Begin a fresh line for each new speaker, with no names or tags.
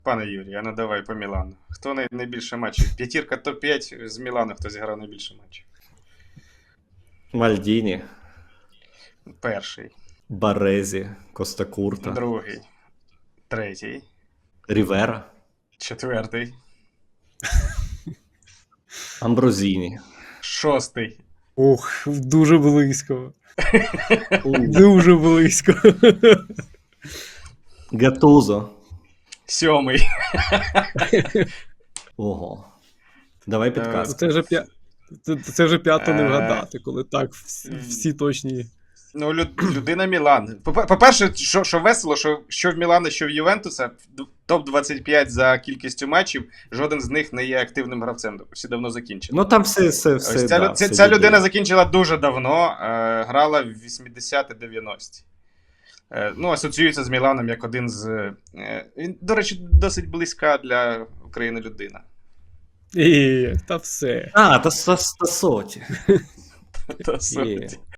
Пане Юрій, а ну давай по Мілану. Хто найбільше матчів? П'ятірка топ-5 з Мілану, хто зіграв найбільше матчів?
Мальдіні,
Перший,
Барезі, Костакурта,
другий, третій,
Рівера,
четвертий,
Амброзіні.
шостий,
Ох, дуже близько. Дуже близько.
Гатузо.
сьомий.
Ого. Давай підказку.
Це вже п'ято не вгадати, коли так всі точні.
Ну, людина Мілан. По-перше, що весело, що в Мілана, що в Ювентуса, топ-25 за кількістю матчів, жоден з них не є активним гравцем. Всі давно закінчили.
Ну там все
Ось
да,
ця людина закінчила дуже давно, грала в 80-90-ті. Ну, асоціюється з Міланом як один з... Він, до речі, досить близька для України людина.
Та все.
А, та Соті.
Та суті.